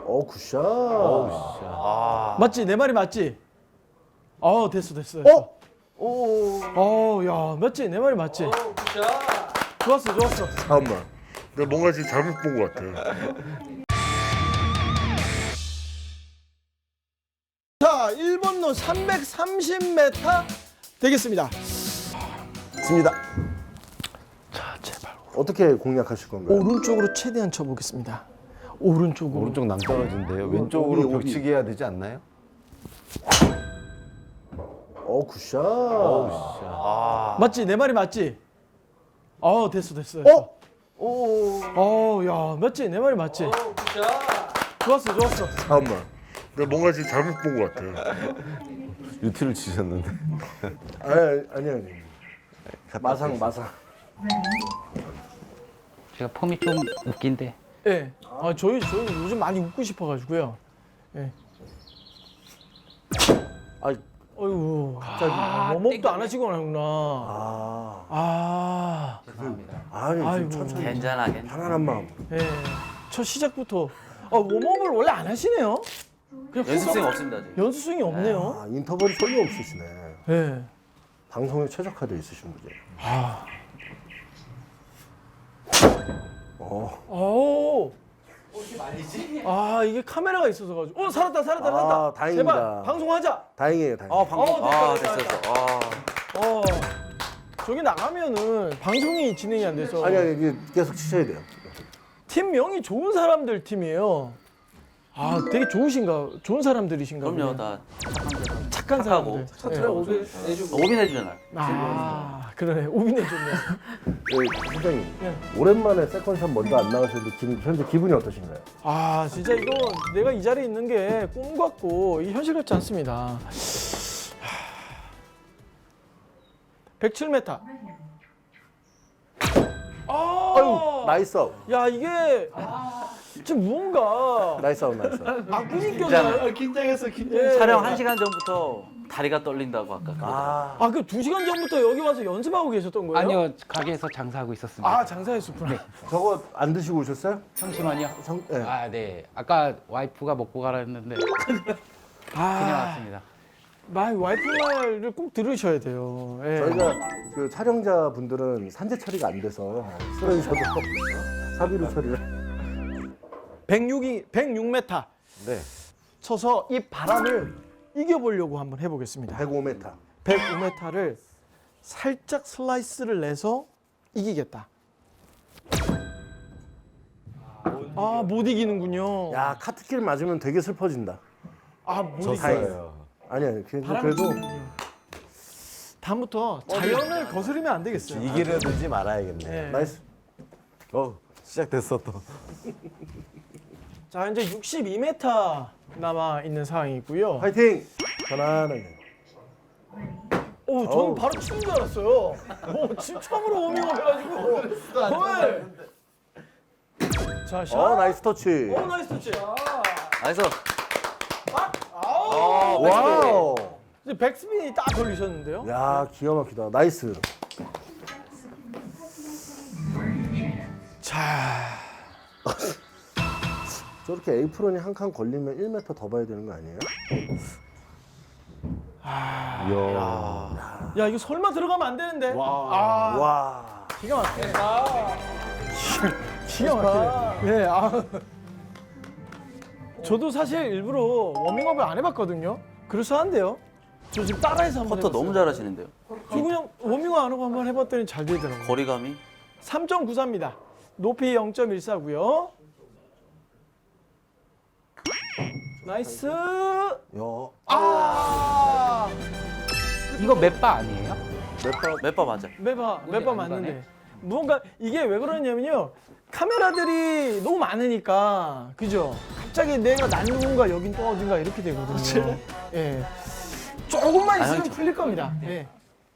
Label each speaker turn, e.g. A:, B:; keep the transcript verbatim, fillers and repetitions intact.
A: 어 굿샷.
B: 아.
C: 맞지? 내 말이 맞지? 어 됐어 됐어. 됐어.
A: 어? 오.
C: 어, 야 맞지? 내 말이 맞지?
B: 오, 굿샷.
C: 좋았어 좋았어.
A: 잠깐만. 내가 뭔가 지금 잘못 본 것 같아.
C: 자, 일 번로 삼백삼십 미터 되겠습니다.
A: 습니다.
C: 자, 제발
A: 어떻게 공략하실 건가요?
C: 오른쪽으로 최대한 쳐보겠습니다. 오른쪽으로.
D: 오른쪽 낭떨어진데요.
A: 오비,
D: 왼쪽으로
A: 오비.
D: 벽치기 해야 되지 않나요?
A: 어 굿샷.
B: 아.
C: 맞지? 내 말이 맞지? 어 됐어 됐어. 됐어.
A: 어? 오.
C: 어, 야 맞지? 내 말이 맞지?
B: 오, 굿샷.
C: 좋았어 좋았어.
A: 잠깐만. 내가 뭔가 지금 잘못 본 것 같아.
D: 유티를 치셨는데.
A: 아니 아니 아니. 마상 마상.
E: 제가 폼이 좀 웃긴데.
C: 예. 네. 아 저희 저희 요즘 많이 웃고 싶어가지고요. 예. 네.
A: 아이.
C: 어이구 갑자기 웜업도 안 하시고 나구나.
A: 아.
C: 아.
E: 죄송합니다.
A: 아니
C: 아이고.
A: 좀 천천히.
B: 괜찮아, 괜찮아.
A: 편안한 마음.
C: 예. 네. 첫 시작부터 아, 웜업을 원래 안 하시네요. 그냥
B: 연습생
C: 후딱-
B: 없습니다, 아직.
C: 연습생이 없네요.
A: 아 인터벌이 전혀 없으시네.
C: 예. 네.
A: 방송에 최적화돼 있으신 분이에요.
C: 아.
A: 어.
C: 오. 아 이게 카메라가 있어서 가지고. 어 살았다 살았다
A: 아,
C: 살았다.
A: 다행입니다.
C: 제발 방송하자.
A: 다행이에요, 다행.
B: 아, 방금.
C: 어, 됐다,
B: 아,
C: 됐다,
B: 됐어,
C: 됐다.
B: 됐어. 아.
C: 어. 저기 나가면은 방송이 진행이 안 돼서.
A: 아니 아니 이게 계속 치셔야 돼요.
C: 팀명이 좋은 사람들 팀이에요. 아 되게 좋으신가 좋은 사람들이신가
B: 그럼요,
C: 보네.
B: 다
C: 착한
B: 착하고.
C: 사람들. 네.
B: 오빈 해주잖아.
C: 아 그러네 우빈해 좋네.
A: 네, 부장님.
C: 네.
A: 오랜만에 세컨샷 먼저 안 나가셨는데 지금 현재 기분이 어떠신가요?
C: 아 진짜 이거 내가 이 자리에 있는 게 꿈 같고 이 현실 같지 않습니다. 백칠 미터. 아,
A: 아유, 나이스 아웃.
C: 야 이게 지금 무언가
A: 나이스 아웃, 나이스 아웃.
C: 악분이 껴서
A: 긴장했어,
C: 예.
B: 촬영 한 시간 전부터 다리가 떨린다고 아까.
A: 아,
C: 아 그 두 시간 전부터 여기 와서 연습하고 계셨던 거예요?
E: 아니요, 가게에서 장사하고 있었습니다.
C: 아 장사했었구나.
A: 저거 안 드시고 오셨어요?
E: 잠시만요.
A: 성, 네.
E: 아, 네. 아까 와이프가 먹고 가라 했는데 그냥
C: 아,
E: 왔습니다.
C: 마 와이프 말을 꼭 들으셔야 돼요. 예.
A: 저희가 그 촬영자 분들은 산재 처리가 안 돼서 쓰러지셔도 사비로 처리를.
C: 백육이 백육 미터
A: 네.
C: 쳐서 이 바람을 이겨보려고 한번 해보겠습니다.
A: 백오 미터.
C: 백오 미터를 살짝 슬라이스를 내서 이기겠다. 아 못 이기는군요.
A: 야, 카트길 맞으면 되게 슬퍼진다.
C: 아못 이겨.
D: 졌어요.
A: 아니 아니, 그래도,
C: 바람이
A: 그래도
C: 이기는군요. 다음부터 자연을 거스르면 안 되겠어요.
D: 이기려 들지 말아야겠네.
C: 네.
A: 나이스.
D: 어, 시작됐어 또.
C: 자 이제 육십이 미터 남아 있는 상황이고요.
A: 화이팅! 편안하게.
C: 오, 저는
A: 어우.
C: 바로 치는 줄 알았어요. 오, 지금 처음으로 워밍업 해가지고. 헐. 자, 샷.
A: 어, 나이스 터치.
C: 오, 나이스 터치.
B: 나이스.
C: 아우.
A: 와우.
C: 이제 백스핀이 딱 걸리셨는데요.
A: 야, 기가 막히다. 나이스.
C: 자,
A: 저렇게 에이프론이 한 칸 걸리면 일 미터 더 봐야 되는 거 아니에요?
D: 이야.
C: 야 이거 설마 들어가면 안 되는데. 아,
A: 와.
C: 기가 막히네. 기가 막히네. 예, 아. 저도 사실 일부러 워밍업을 안 해봤거든요. 그래서한데요. 저 지금 따라해서 한번
B: 퍼터
C: 해봤어요.
B: 너무 잘하시는데요.
C: 저 그냥 워밍업 안 하고 한번 해봤더니 잘 되더라고요.
B: 거리감이.
C: 삼 점 구사입니다. 높이 영 점 일사고요. 나이스.
A: 야.
C: 아.
E: 이거 몇 바 아니에요?
A: 몇번
B: 몇 번 맞아.
C: 매바
E: 문제가
C: 매바
E: 안
C: 맞는데
E: 가네.
C: 무언가 이게 왜 그러냐면요. 카메라들이 너무 많으니까 그죠? 갑자기 내가 난누군가 여긴 또 어딘가 이렇게 되거든요. 예. 조금만
B: 아,
C: 있으면
B: 형,
C: 풀릴 겁니다. 예.